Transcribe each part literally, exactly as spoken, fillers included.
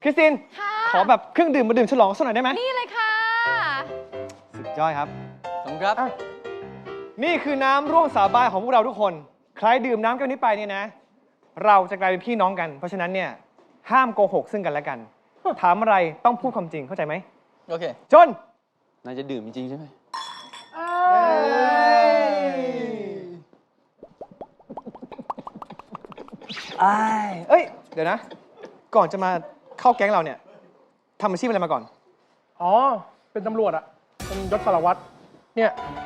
คริสตินขอแบบเครื่องดื่มมาดื่มฉลองสักหน่อยได้ไหมนี่เลยค่ะสุดยอดครับขอบคุณครับนี่คือน้ำร่วมสาบานของพวกเราทุกคน ใครดื่มน้ำแก้วนี้ไปเนี่ยนะ เราจะกลายเป็นพี่น้องกัน เพราะฉะนั้นเนี่ยห้ามโกหกซึ่งกันและกัน ถามอะไรต้องพูดความจริงเข้าใจไหมโอเคจนนายจะดื่มจริงๆใช่ไหมเอ้ย เดี๋ยวนะ ก่อนจะมาเข้าแก๊งเราเนี่ยทำอาชีพอะไรมาก่อนอ๋อ เป็นตำรวจอะเป็นยศสารวัตร เนี่ย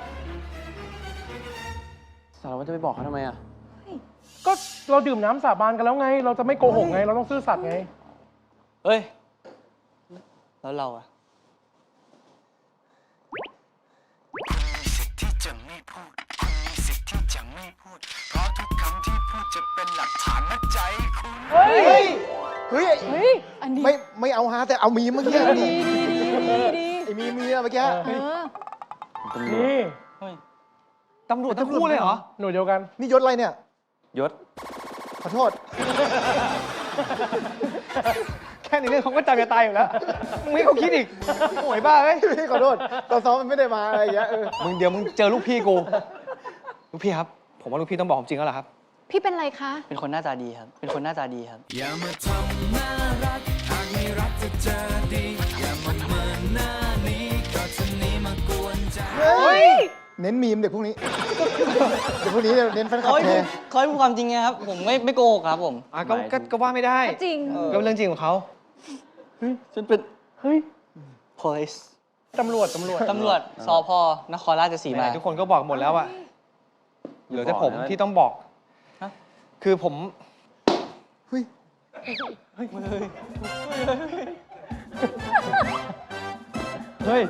สารวัตรจะไปบอกเขาทำไมอ่ะก็เราดื่มน้ำสาบานกันแล้วไง เราจะไม่โกหกไง เราต้องซื่อสัตย์ไงเฮ้ย แล้วเราอ่ะที่จะไม่พูดคุณมีสิทธิ์ที่จะไม่พูด เพราะทุกคำที่พูดจะเป็นหลักฐานมัดใจคุณเฮ้ยเฮ้ยเฮ้ย อันนี้ไม่ไม่เอาฮาแต่เอามีมเมื่อกี้ดีนี่ดีดีดีดีไอ้มีมีอะเมื่อกี้เออนี่เฮ้ยตำรวจทั้งคู่เลยเหรอหน่วยเดียวกันนี่ยศอะไรเนี่ยยศขอโทษแค่ในเรื่องเขาก็จำจะตายอยู่แล้ว มึงไม่ให้เขาคิดอีกโอยบ้าเอ้ยพี่ขอโทษตอนซ้อมมันไม่ได้มาอะไรอย่างเงี้ยเออมึงเดี๋ยวมึงเจอลูกพี่กู ลูกพี่ครับ ผมว่าลูกพี่ต้องบอกผมจริงแล้วล่ะครับพี่เป็นไรคะเป็นคนหน้าตาดีครับ เป็นคนหน้าตาดีครับอย่ามาทำน่ารัก หากไม่รักจะเจอดี อย่ามาเมินหน้านี้ก็จะหนีมากวนใจเฮ้ย เน้นมีมเด็กพวกนี้ เด็กพวกนี้เนี่ยเน้นแฟนคลับเขาให้แทพูดนเขาให้พูดความจริงไงครับ ผมไม่ไม่โกหกครับผมอ่ะก็ก็ก็ว่าไม่ได้จริงก็เป็นเรื่องจริงของเขาฉันเป็นเฮ้ย police ตำรวจ ตำรวจตำรวจสพนครราชสีมาทุกคนก็บอกหมดแล้วอะเหลือแต่ผมที่ต้องบอกฮะคือผมเฮ้ยเฮ้ย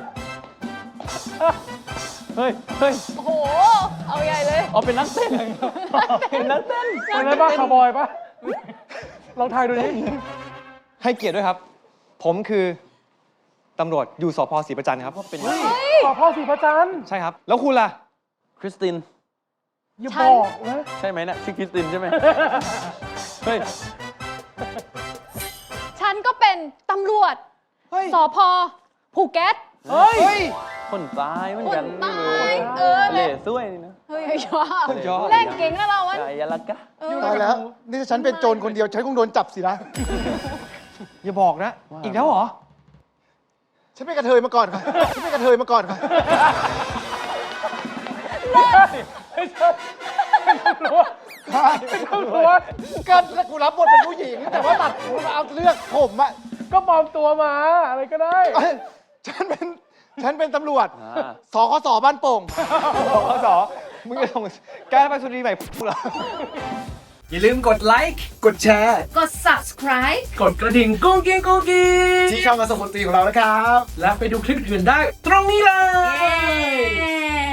เฮ้ย เฮ้ยโอ้โห เอาใหญ่เลยอ๋อเป็นนักเต้นเป็นนักเต้นเป็นอะไรบ้างคาวบอยปะลองทายดูดิให้เกียรติด้วยครับ ผมคือตำรวจอยู่สพศรีประจันทร์ครับเป็นขอพ่อสีพระจันทร์ใช่ครับ แล้วคุณล่ะคริสตินอย่าฉับนอกนะใช่ไหมเนี่ยชื่อคริสตินใช่ไหม เฮ้ยฉันก็เป็นตำรวจเฮ้ยสพภูเก็ตเฮ้ยเฮ้ยคนตายเหมือนคกันนตายเออเหเล่ล่นซวยนี่นะเฮ้ยยอสุดยอดเล่นเก่งนะเราอะกายลักกะเออตายแล้ว นี่ถ้าฉันเป็นโจรคนเดียวฉันคงโดนจับสินะอย่าบอกนะว่าอีกแล้วเหรอฉันเป็นกระเทยมาก่อนค่ะ ฉันเป็นกระเทยมาก่อนค่ะตำรวจก็กูรับบทเป็นผู้หญิง แต่ว่าตัดเอาเลือกผมอะก็ปลอมตัวมา อะไรก็ได้เอ้ยฉันเป็น ฉันเป็นตำรวจอ่าสคสบ้านโป่งขอสอมึงจะส่งการไปสุดีใหม่เหรออย่าลืมกดไลค์ กดแชร์กด subscribe กดกระดิ่งกุ้งกิ้งกุ้งกิ้งที่ช่องกระสมนตรีของเรานะครับและไปดูคลิปอื่นได้ตรงนี้เลยเย้